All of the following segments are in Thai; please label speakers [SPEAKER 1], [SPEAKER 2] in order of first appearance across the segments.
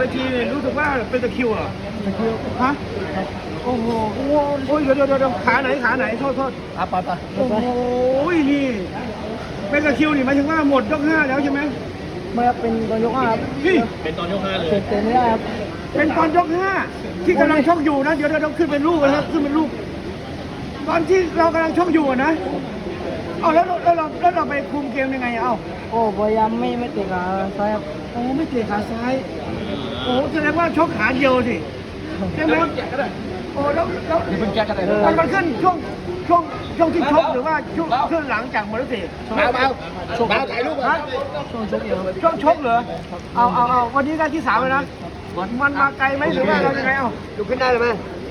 [SPEAKER 1] วทีเนี่ยรู้สึกว่าเป็นตะคริวเหรอ
[SPEAKER 2] ตะคิว
[SPEAKER 1] ฮะโอ้โหโอ้ยเดี๋ยวขาไหนโทษ
[SPEAKER 2] ไป
[SPEAKER 1] โอ้โหนี่เป็นตะคริวนี่หมายถึงว่าหมดยก5แล้วใช่ไหม
[SPEAKER 2] ไม่ครับเป็นตอนยกห้าครับ
[SPEAKER 1] พี่
[SPEAKER 3] เป็นตอนยก 5เลย
[SPEAKER 2] เตะไม่ได้ครับ
[SPEAKER 1] เป็นตอนยก5ที่กำลังชกอยู่นะเดี๋ยวขึ้นเป็นรูปนะครับขึ้นเป็นรูปตอนที่เรากำลังชกอยู่อะนะเอาแล้วเราไปคุมเกมยังไงอะเอ้า
[SPEAKER 2] โอ้พยายามไม่เตะขาซ้ายครับ
[SPEAKER 1] โอ้ไม่เตะขาซ้ายโอ้แสดงว่าชกขาเดียวสิใช่ไหมโอ้แล้ว
[SPEAKER 2] เป็นแก้กันเลย
[SPEAKER 1] มันขึ้นช่วงที่ชกหรือว่าช่วงหลังจากหมดแล้วสิ
[SPEAKER 3] เบาถ่ายรูป
[SPEAKER 1] ฮะ
[SPEAKER 2] ช่วงชกเดียวครับ
[SPEAKER 1] ช่วงชกเหรอเอาวันนี้ได้ที่3เลยนะมันมาไกลไหมหรือว่าเรายังไงเอ้าอยู่ขึ้นได้เลยไหม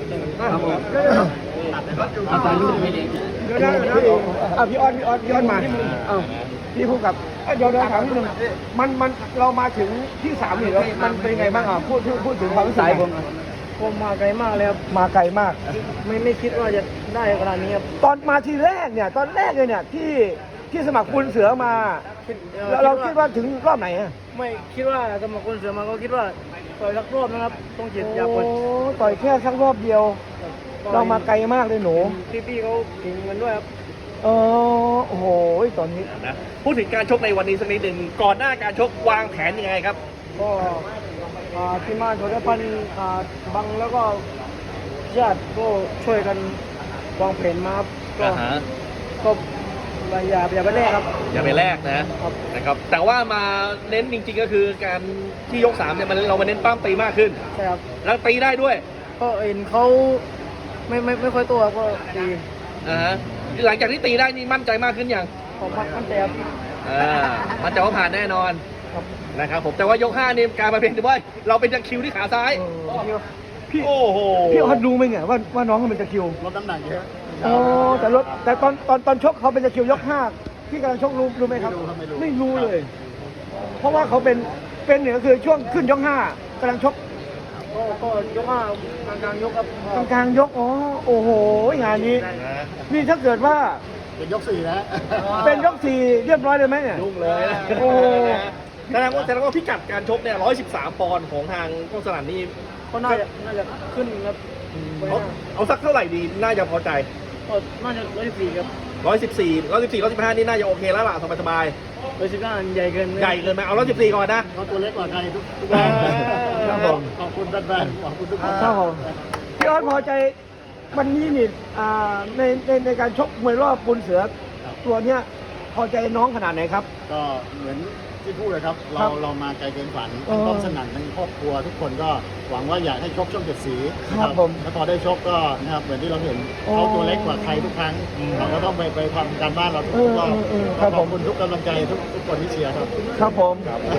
[SPEAKER 1] เดี๋ยวพี่ออนมาพี่พูดกับเดี๋ยวถามนิดนึงมันเรามาถึงที่3นี่แล้วมันเป็นไงบ้างพูดถึงความรู้สึก
[SPEAKER 2] ผมมาไกลมากเลยครับ
[SPEAKER 1] มาไกลมาก
[SPEAKER 2] ไม่คิดว่าจะได้ขนาดนี้ครับ
[SPEAKER 1] ตอนมาทีแรกเนี่ยตอนแรกเลยเนี่ยที่สมัครปุนเสือมาเราคิดว่าถึงรอบไหนอะ
[SPEAKER 2] ไม่คิดว่าสมัครคนเสือมาก็คิดว่าต่อยสักรอบนะครับต้องเจ็ดอยาก
[SPEAKER 1] โอ้
[SPEAKER 2] คน
[SPEAKER 1] ต่อยแค่สักรอบเดียว เรามาไกลมากเลยหนู
[SPEAKER 2] พี่เขาเก่งกันด้วยครับ
[SPEAKER 1] โอ้โหตอนนี้
[SPEAKER 3] นะพูดถึงการชกในวันนี้สักนิดหนึ่งก่อนหน้าการชกวางแผนยังไงครับ
[SPEAKER 2] ก็ที่มาโดยพันบังแล้วก็ญาติก็ช่วยกันวางแผนมาครับก็อย่าไปแรกครับ
[SPEAKER 3] อย่าไปแลกนะครับแต่ว่ามาเน้นจริงๆก็คือการที่ยก3เนี่ยเรามาเน้นปั้มตีมากขึ้น
[SPEAKER 2] ใช่ครับ
[SPEAKER 3] แล้วตีได้ด้วย
[SPEAKER 2] ก็เห็นเขาไม่ค่อยตัวก็ดี
[SPEAKER 3] หลังจากที่ตีได้นี่มั่นใจมากขึ้นอย่าง
[SPEAKER 2] ผมมั่นใจครับ
[SPEAKER 3] มั่นใจว่าผ่านแน่นอน
[SPEAKER 2] ครับ
[SPEAKER 3] นะครับผมแต่ว่ายก5นี่การมาเป็นว่าเราเป็นตะคริวที่ขาซ้าย
[SPEAKER 1] พี่
[SPEAKER 3] โอ้โห
[SPEAKER 1] พี่ออดรู้ไหมเนี่ยว่าน้องเขาเป็นตะคริว
[SPEAKER 2] ลดน้ำหนักเยอะ
[SPEAKER 1] โอ้แต่ตอนชกเขาเป็นตะคริวยก5ที่กำลังชกรู้ไหมครับไม่รู้เลย เพราะว่าเขาเป็นเนี่ยก็คือช่วงขึ้นยก5กำลังชก
[SPEAKER 2] ก็ยกกลางยกครับ
[SPEAKER 1] กลางยกโอ้โหงานนี้ นี่ถ้าเกิดว่า
[SPEAKER 2] เป็นยก4แล้ว
[SPEAKER 1] เป็นยก4เรียบร้อยเลยไหมเนี่ย
[SPEAKER 3] ยุ่งเลย
[SPEAKER 1] โอ้
[SPEAKER 3] แสดงว่าพิกัดการชกเนี่ย113 ปอนด์ของทางกองสนั่นนี่
[SPEAKER 2] ก็น่าจะขึ้นครับ
[SPEAKER 3] เอาสักเท่าไหร่ดีน่าจะพอใจ
[SPEAKER 2] ก็น่าจะ114ครับ
[SPEAKER 3] 114 115นี่น่าจะโอเคแล้วล่ะสบาย
[SPEAKER 2] 115ใหญ่เกิน
[SPEAKER 3] ๆใหญ่เกินไหมเอา114ก่อนนะ
[SPEAKER 2] เขาตัวเล็กกว่าใครทุก
[SPEAKER 1] ครับผม
[SPEAKER 2] ขอบคุณแฟนๆขอบคุณทุกคน
[SPEAKER 1] ครับผมพี่ออสพอใจวันนี้นี่ในการชกมวยรอบปุนเสือตัวเนี้ยพอใจน้องขนาดไหนครับ
[SPEAKER 4] ก็เหมือนที่พูดเลยครับ
[SPEAKER 1] ครับ
[SPEAKER 4] เรามาไกลเกินฝัน
[SPEAKER 1] อ๋อ
[SPEAKER 4] ต้องสนั่นทั้งครอบครัวทุกคนก็หวังว่าอยากให้ชกช่องเจ็ดสีนะ
[SPEAKER 1] ครับผม
[SPEAKER 4] แล้วพอได้ชกก็นะครับเหมือนที่เราเห็น
[SPEAKER 1] อ๋อ
[SPEAKER 4] เขาตัวเล็กกว่าใครทุกครั้งเราก็ต้องไปทำการบ้านเราทุกรอบ
[SPEAKER 1] ครับ
[SPEAKER 4] ข
[SPEAKER 1] ผ
[SPEAKER 4] อบ
[SPEAKER 1] ม
[SPEAKER 4] คุณทุกกำลังใจทุกคนที่เชียร์ครับ
[SPEAKER 1] ครับผม